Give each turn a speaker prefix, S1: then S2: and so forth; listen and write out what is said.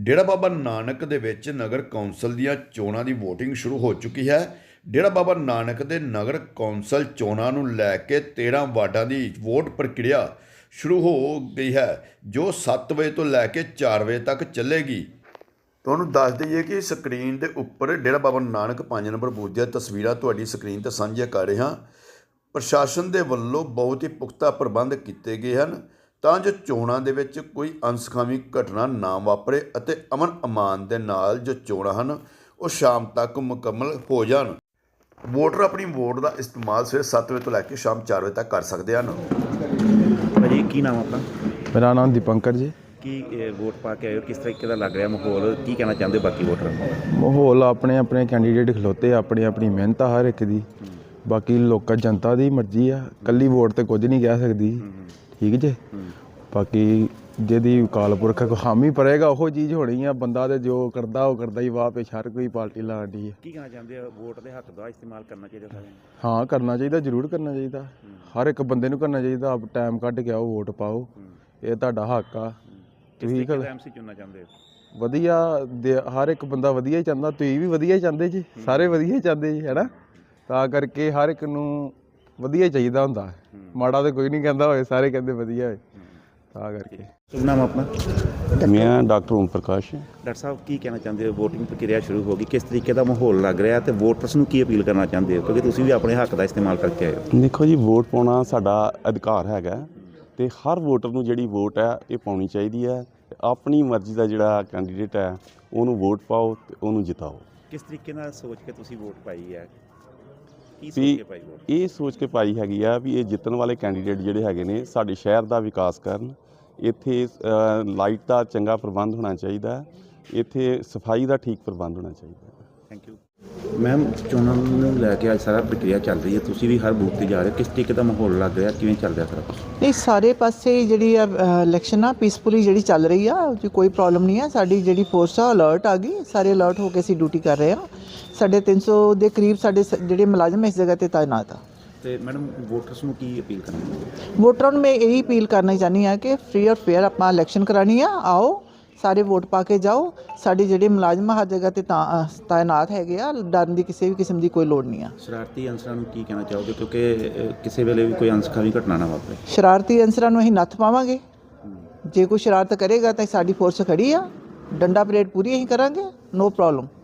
S1: ਡੇਰਾ ਬਾਬਾ ਨਾਨਕ ਦੇ ਵਿੱਚ ਨਗਰ ਕੌਂਸਲ ਦੀਆਂ ਚੋਣਾਂ ਦੀ VOTING ਸ਼ੁਰੂ ਹੋ ਚੁੱਕੀ ਹੈ। ਡੇਰਾ ਬਾਬਾ ਨਾਨਕ ਦੇ ਨਗਰ ਕੌਂਸਲ ਚੋਣਾਂ ਨੂੰ ਲੈ ਕੇ 13 ਵਾਰਡਾਂ ਦੀ ਵੋਟ ਪ੍ਰਕਿਰਿਆ ਸ਼ੁਰੂ ਹੋ ਗਈ ਹੈ, ਜੋ 7 ਵਜੇ ਤੋਂ ਲੈ ਕੇ 4 ਵਜੇ ਤੱਕ ਚੱਲੇਗੀ। ਤੁਹਾਨੂੰ ਦੱਸ ਦਈਏ ਕਿ ਸਕਰੀਨ ਦੇ ਉੱਪਰ ਡੇਰਾ ਬਾਬਾ ਨਾਨਕ 5 ਨੰਬਰ ਬੂਥ ਦੀਆਂ ਤਸਵੀਰਾਂ ਤੁਹਾਡੀ ਸਕਰੀਨ 'ਤੇ ਸਾਂਝੀਆਂ ਕਰ ਰਹੇ ਹਾਂ। ਪ੍ਰਸ਼ਾਸਨ ਦੇ ਵੱਲੋਂ ਬਹੁਤ ਹੀ ਪੁਖਤਾ ਪ੍ਰਬੰਧ ਕੀਤੇ ਗਏ ਹਨ ਤਾਂ ਜੋ ਚੋਣਾਂ ਦੇ ਵਿੱਚ ਕੋਈ ਅਣਸੁਖਾਵੀ ਘਟਨਾ ਨਾ ਵਾਪਰੇ ਅਤੇ ਅਮਨ ਅਮਾਨ ਦੇ ਨਾਲ ਜੋ ਚੋਣਾਂ ਹਨ ਉਹ ਸ਼ਾਮ ਤੱਕ ਮੁਕੰਮਲ ਹੋ ਜਾਣ। ਵੋਟਰ ਆਪਣੀ ਵੋਟ ਦਾ ਇਸਤੇਮਾਲ ਸਵੇਰੇ 7 ਵਜੇ ਤੋਂ ਲੈ ਕੇ ਸ਼ਾਮ 4 ਵਜੇ ਤੱਕ ਕਰ ਸਕਦੇ ਹਨ।
S2: ਭਾਜੀ ਕੀ ਨਾਮ ਆਪਣਾ?
S3: ਮੇਰਾ ਨਾਮ ਦੀਪੰਕਰ ਜੀ।
S2: ਕੀ ਵੋਟ ਪਾ ਕੇ ਆਏ ਹੋ, ਕਿਸ ਤਰੀਕੇ ਦਾ ਲੱਗ ਰਿਹਾ ਮਾਹੌਲ, ਕੀ ਕਹਿਣਾ ਚਾਹੁੰਦੇ ਹੋ ਬਾਕੀ ਵੋਟਰਾਂ ਨੂੰ?
S3: ਮਾਹੌਲ ਆਪਣੇ ਆਪਣੇ ਕੈਂਡੀਡੇਟ ਖਲੋਤੇ, ਆਪਣੀ ਆਪਣੀ ਮਿਹਨਤ ਆ ਹਰ ਇੱਕ ਦੀ। ਬਾਕੀ ਲੋਕਾਂ ਜਨਤਾ ਦੀ ਮਰਜ਼ੀ ਆ, ਇਕੱਲੀ ਵੋਟ ਤੇ ਕੁਝ ਨਹੀਂ ਕਹਿ ਸਕਦੀ, ਠੀਕ ਜੇ। ਬਾਕੀ ਜਿਹਦੀ ਅਕਾਲ ਪੁਰਖ ਹਾਮੀ ਭਰੇਗਾ ਉਹ ਚੀਜ਼ ਹੋਣੀ ਆ। ਬੰਦਾ ਤੇ ਜੋ ਕਰਦਾ ਉਹ ਕਰਦਾ ਹੀ, ਵਾਹ ਪੇਸ਼ ਹਰ ਕੋਈ ਪਾਰਟੀ ਲਾਉਂਦੀ ਹੈ।
S2: ਕੀ ਕਹਿਣਾ ਚਾਹੁੰਦੇ ਹੋ, ਵੋਟ ਦੇ ਹੱਕ ਦਾ ਇਸਤੇਮਾਲ ਕਰਨਾ ਚਾਹੀਦਾ ਸਾਰਿਆਂ ਨੂੰ?
S3: ਹਾਂ ਕਰਨਾ ਚਾਹੀਦਾ, ਜ਼ਰੂਰ ਕਰਨਾ ਚਾਹੀਦਾ। ਹਰ ਇੱਕ ਬੰਦੇ ਨੂੰ ਕਰਨਾ ਚਾਹੀਦਾ। ਆਪ ਟਾਈਮ ਕੱਢ ਕੇ ਆਓ, ਵੋਟ ਪਾਓ, ਇਹ ਤੁਹਾਡਾ ਹੱਕ ਆ। ਤੁਸੀਂ
S2: ਐਮਸੀ ਚੁਣਨਾ ਚਾਹੁੰਦੇ ਹੋ?
S3: ਵਧੀਆ, ਹਰ ਇੱਕ ਬੰਦਾ ਵਧੀਆ ਹੀ ਚਾਹੁੰਦਾ, ਤੁਸੀਂ ਵੀ ਵਧੀਆ ਹੀ ਚਾਹੁੰਦੇ ਜੀ, ਸਾਰੇ ਵਧੀਆ ਹੀ ਚਾਹੁੰਦੇ ਜੀ, ਹੈ ਨਾ। ਤਾਂ ਕਰਕੇ ਹਰ ਇੱਕ ਨੂੰ ਵਧੀਆ ਚਾਹੀਦਾ ਹੁੰਦਾ, ਮਾੜਾ ਤਾਂ ਕੋਈ ਨਹੀਂ ਕਹਿੰਦਾ ਹੋਏ, ਸਾਰੇ ਕਹਿੰਦੇ ਵਧੀਆ ਹੋਏ। ਤਾਂ ਕਰਕੇ
S2: ਸ਼ੁਭ ਨਾਮ ਆਪਣਾ?
S4: ਮੈਂ ਡਾਕਟਰ ਓਮ ਪ੍ਰਕਾਸ਼।
S2: ਡਾਕਟਰ ਸਾਹਿਬ ਕੀ ਕਹਿਣਾ ਚਾਹੁੰਦੇ ਹੋ, VOTING ਪ੍ਰਕਿਰਿਆ ਸ਼ੁਰੂ ਹੋ ਗਈ, ਕਿਸ ਤਰੀਕੇ ਦਾ ਮਾਹੌਲ ਲੱਗ ਰਿਹਾ ਤੇ ਵੋਟਰਸ ਨੂੰ ਕੀ ਅਪੀਲ ਕਰਨਾ ਚਾਹੁੰਦੇ ਹੋ, ਕਿਉਂਕਿ ਤੁਸੀਂ ਵੀ ਆਪਣੇ ਹੱਕ ਦਾ ਇਸਤੇਮਾਲ ਕਰਕੇ ਆਏ ਹੋ?
S4: ਦੇਖੋ ਜੀ, ਵੋਟ ਪਾਉਣਾ ਸਾਡਾ ਅਧਿਕਾਰ ਹੈਗਾ ਤੇ ਹਰ ਵੋਟਰ ਨੂੰ ਜਿਹੜੀ ਵੋਟ ਹੈ ਇਹ ਪਾਉਣੀ ਚਾਹੀਦੀ ਹੈ। ਆਪਣੀ ਮਰਜ਼ੀ ਦਾ ਜਿਹੜਾ ਕੈਂਡੀਡੇਟ ਹੈ ਉਹਨੂੰ ਵੋਟ ਪਾਓ ਤੇ ਉਹਨੂੰ ਜਿਤਾਓ।
S2: ਕਿਸ ਤਰੀਕੇ ਨਾਲ ਸੋਚ ਕੇ ਤੁਸੀਂ ਵੋਟ ਪਾਈ ਹੈ? ਕੀ ਸੋਚ
S4: ਵੀ
S2: ਕੇ ਪਾਈ ਵੋਟ?
S4: ਇਹ ਸੋਚ ਕੇ ਪਾਈ ਹੈਗੀ ਆ ਵੀ ਇਹ ਜਿੱਤਣ ਵਾਲੇ ਕੈਂਡੀਡੇਟ ਜਿਹੜੇ ਹੈਗੇ ਨੇ ਸਾਡੇ ਸ਼ਹਿਰ ਦਾ ਵਿਕਾਸ ਕਰਨ। ਇੱਥੇ ਲਾਈਟ ਦਾ ਚੰਗਾ ਪ੍ਰਬੰਧ ਹੋਣਾ ਚਾਹੀਦਾ, ਇੱਥੇ ਸਫਾਈ ਦਾ ਠੀਕ ਪ੍ਰਬੰਧ ਹੋਣਾ ਚਾਹੀਦਾ।
S2: Thank you ma'am. ਚੋਣਾਂ ਨੂੰ ਲੈ ਕੇ ਅੱਜ ਸਾਰਾ ਪ੍ਰਕਿਰਿਆ ਚੱਲ ਰਹੀ ਹੈ, ਤੁਸੀਂ ਵੀ ਹਰ ਬੂਥ 'ਤੇ ਜਾ ਰਹੇ ਹੋ, ਕਿਸ ਤਰੀਕੇ ਦਾ ਮਾਹੌਲ ਲੱਗ ਰਿਹਾ, ਕਿਵੇਂ ਚੱਲ ਰਿਹਾ ਸਾਰਾ ਕੁਛ?
S5: ਨਹੀਂ, ਸਾਰੇ ਪਾਸੇ ਜਿਹੜੀ ਆ ਇਲੈਕਸ਼ਨ ਆ ਪੀਸਫੁਲੀ ਜਿਹੜੀ ਚੱਲ ਰਹੀ ਆ, ਉਹ 'ਚ ਕੋਈ ਪ੍ਰੋਬਲਮ ਨਹੀਂ ਆ। ਸਾਡੀ ਜਿਹੜੀ ਫੋਰਸ ਆ ਅਲਰਟ ਆ ਗਈ, ਸਾਰੇ ਅਲਰਟ ਹੋ ਕੇ ਅਸੀਂ ਡਿਊਟੀ ਕਰ ਰਹੇ ਹਾਂ। ਸਾਡੇ 300 ਦੇ ਕਰੀਬ ਸਾਡੇ ਜਿਹੜੇ ਮੁਲਾਜ਼ਮ ਇਸ ਜਗ੍ਹਾ 'ਤੇ ਤਾਇਨਾਤ ਆ।
S2: ਤੇ ਮੈਡਮ ਵੋਟਰਸ ਨੂੰ ਕੀ ਅਪੀਲ ਕਰਨੀ?
S5: ਵੋਟਰਾਂ ਨੂੰ ਮੈਂ ਇਹੀ ਅਪੀਲ ਕਰਨਾ ਚਾਹੁੰਦੀ ਹਾਂ ਕਿ ਫ੍ਰੀ ਔਰ ਫੇਅਰ ਆਪਾਂ ਇਲੈਕਸ਼ਨ ਕਰਾਉਣੀ ਆ। ਆਓ ਸਾਰੇ ਵੋਟ ਪਾ ਕੇ ਜਾਓ। ਸਾਡੇ ਜਿਹੜੇ ਮੁਲਾਜ਼ਮ ਹਰ ਜਗ੍ਹਾ 'ਤੇ ਤਾਇਨਾਤ ਹੈਗੇ ਆ, ਡਰਨ ਦੀ ਕਿਸੇ ਵੀ ਕਿਸਮ ਦੀ ਕੋਈ ਲੋੜ ਨਹੀਂ ਆ।
S2: ਸ਼ਰਾਰਤੀ ਅਨਸਰਾਂ ਨੂੰ ਕੀ ਕਹਿਣਾ ਚਾਹੋਗੇ, ਕਿਉਂਕਿ ਕਿਸੇ ਵੇਲੇ ਵੀ ਕੋਈ ਅਣਸੁਖਾਵੀ ਘਟਨਾ ਨਾ ਵਾਪਰੇ?
S5: ਸ਼ਰਾਰਤੀ ਅਨਸਰਾਂ ਨੂੰ ਅਸੀਂ ਨੱਥ ਪਾਵਾਂਗੇ। ਜੇ ਕੋਈ ਸ਼ਰਾਰਤ ਕਰੇਗਾ ਤਾਂ ਸਾਡੀ ਫੋਰਸ ਖੜੀ ਆ, ਡੰਡਾ ਪਰੇਡ ਪੂਰੀ ਅਸੀਂ ਕਰਾਂਗੇ, ਨੋ ਪ੍ਰੋਬਲਮ।